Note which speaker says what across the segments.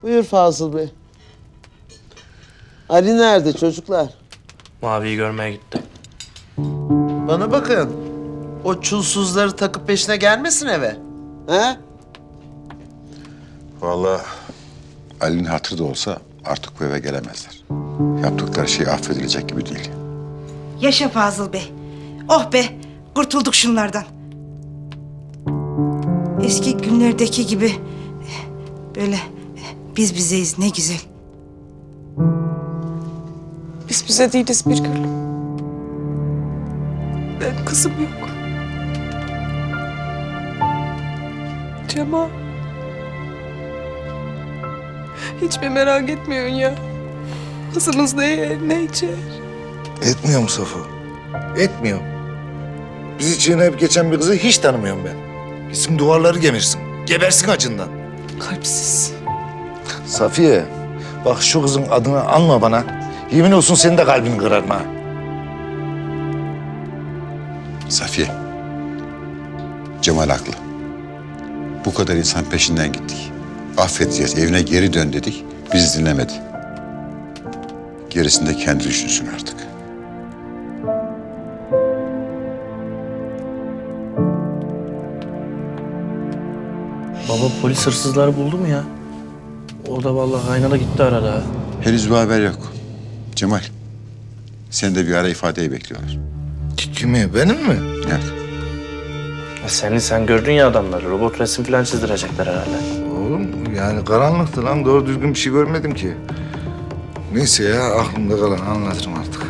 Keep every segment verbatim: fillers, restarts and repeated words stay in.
Speaker 1: Buyur Fazıl Bey. Ali nerede çocuklar?
Speaker 2: Mavi'yi görmeye gitti.
Speaker 1: Bana bakın. O çulsuzları takıp peşine gelmesin eve. He?
Speaker 3: Vallahi Ali'nin hatırı da olsa artık bu eve gelemezler. Yaptıkları şey affedilecek gibi değil.
Speaker 4: Yaşa Fazıl Bey. Oh be, kurtulduk şunlardan. Eski günlerdeki gibi böyle biz bizeyiz, ne güzel.
Speaker 5: Biz bize değiliz bir gün. Benim kızım yok. Cemal. Hiç mi merak etmiyorsun ya? Kızımız ne yer, ne içer?
Speaker 6: Etmiyorum Safo. Etmiyorum. Bizi çiğneyip geçen bir kızı hiç tanımıyorum ben. Gitsin duvarları gemirsin. Gebersin acından.
Speaker 5: Kalpsiz.
Speaker 6: Safiye, bak şu kızın adını anma bana. Yemin olsun senin de kalbini kırarım ha.
Speaker 3: Safiye, Cemal haklı. Bu kadar insan peşinden gittik. Affedeceğiz, evine geri dön dedik. Bizi dinlemedi. Gerisini de kendi düşünsün artık.
Speaker 2: Baba polis hırsızları buldu mu ya? O da vallahi aynada gitti arada.
Speaker 3: Henüz bir haber yok. Cemal, seni de bir ara ifadeyi bekliyorlar.
Speaker 6: Kimi, benim mi?
Speaker 3: Evet.
Speaker 2: Ya seni sen gördün ya adamları. Robot resim falan çizdirecekler herhalde.
Speaker 6: Oğlum yani karanlıktı lan. Doğru düzgün bir şey görmedim ki. Neyse ya, aklımda kalan anlatırım artık.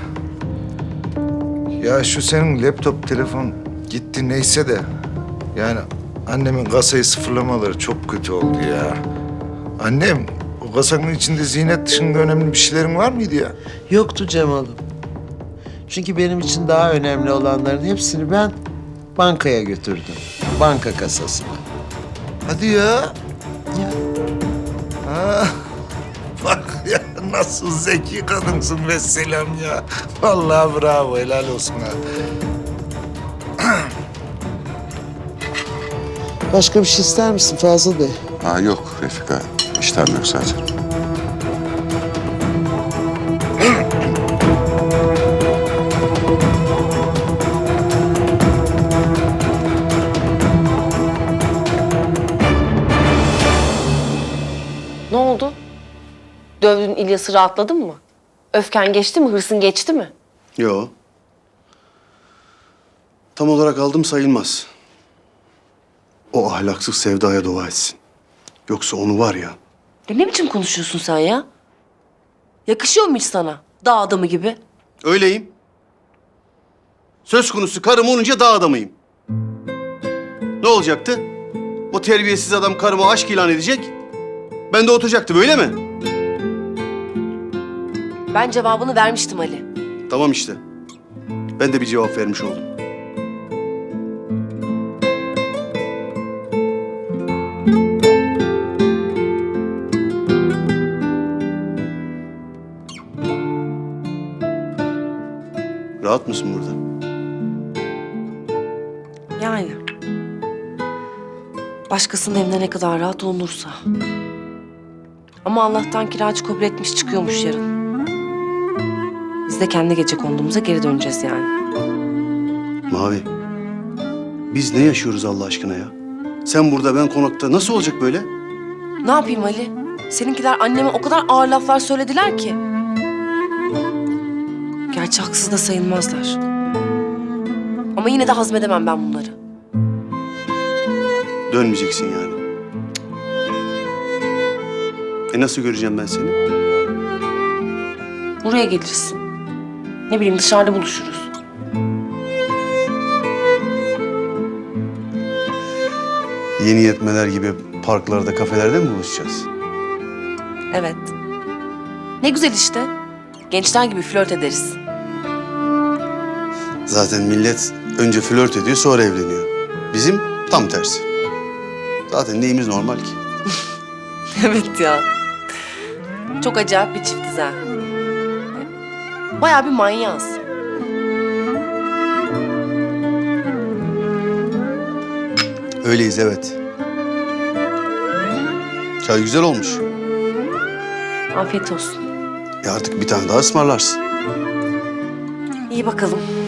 Speaker 6: Ya şu senin laptop, telefon gitti neyse de... Yani annemin kasayı sıfırlamaları çok kötü oldu ya. Annem, o kasanın içinde ziynet dışında önemli bir şeylerin var mıydı ya?
Speaker 1: Yoktu Cemal'ım. Çünkü benim için daha önemli olanların hepsini ben bankaya götürdüm. Banka kasasına.
Speaker 6: Hadi ya.
Speaker 1: Ya.
Speaker 6: Ha. Bak ya, nasıl zeki kadınsın vesselam ya. Vallahi bravo, helal olsun ha.
Speaker 1: Başka bir şey ister misin Fazıl Bey?
Speaker 3: Aa, yok Refika, iştahım yok zaten.
Speaker 7: Ne oldu? Dövdüğün İlyas'ı rahatladın mı? Öfken geçti mi? Hırsın geçti mi?
Speaker 8: Yo. Tam olarak aldım sayılmaz. O ahlaksız Sevda'ya dua etsin. Yoksa onu var ya...
Speaker 7: Ya ne biçim konuşuyorsun sen ya? Yakışıyor mu hiç sana? Dağ adamı gibi.
Speaker 8: Öyleyim. Söz konusu karım olunca dağ adamıyım. Ne olacaktı? O terbiyesiz adam karıma aşk ilan edecek. Ben de oturacaktım, öyle mi?
Speaker 7: Ben cevabını vermiştim Ali.
Speaker 8: Tamam işte. Ben de bir cevap vermiş oldum. Rahat mısın burada?
Speaker 7: Yani. Başkasının evinde ne kadar rahat olunursa. Ama Allah'tan kiracı kabul etmiş, çıkıyormuş yarın. Biz de kendi gece konduğumuza geri döneceğiz yani.
Speaker 8: Mavi, biz ne yaşıyoruz Allah aşkına ya? Sen burada, ben konakta. Nasıl olacak böyle?
Speaker 7: Ne yapayım Ali? Seninkiler anneme o kadar ağır laflar söylediler ki. Gerçi haksız da sayılmazlar. Ama yine de hazmedemem ben bunları.
Speaker 8: Dönmeyeceksin yani. E nasıl göreceğim ben seni?
Speaker 7: Buraya gelirsin. Ne bileyim dışarıda buluşuruz.
Speaker 8: Yeni yetmeler gibi parklarda, kafelerde mi buluşacağız?
Speaker 7: Evet. Ne güzel işte. Gençler gibi flört ederiz.
Speaker 8: Zaten millet önce flört ediyor, sonra evleniyor. Bizim tam tersi. Zaten neyimiz normal ki?
Speaker 7: Evet ya. Çok acayip bir çiftiz ha. Bayağı bir manyağız.
Speaker 8: Öyleyiz, evet. Çay güzel olmuş.
Speaker 7: Afiyet olsun.
Speaker 8: E artık bir tane daha ısmarlarsın.
Speaker 7: İyi bakalım.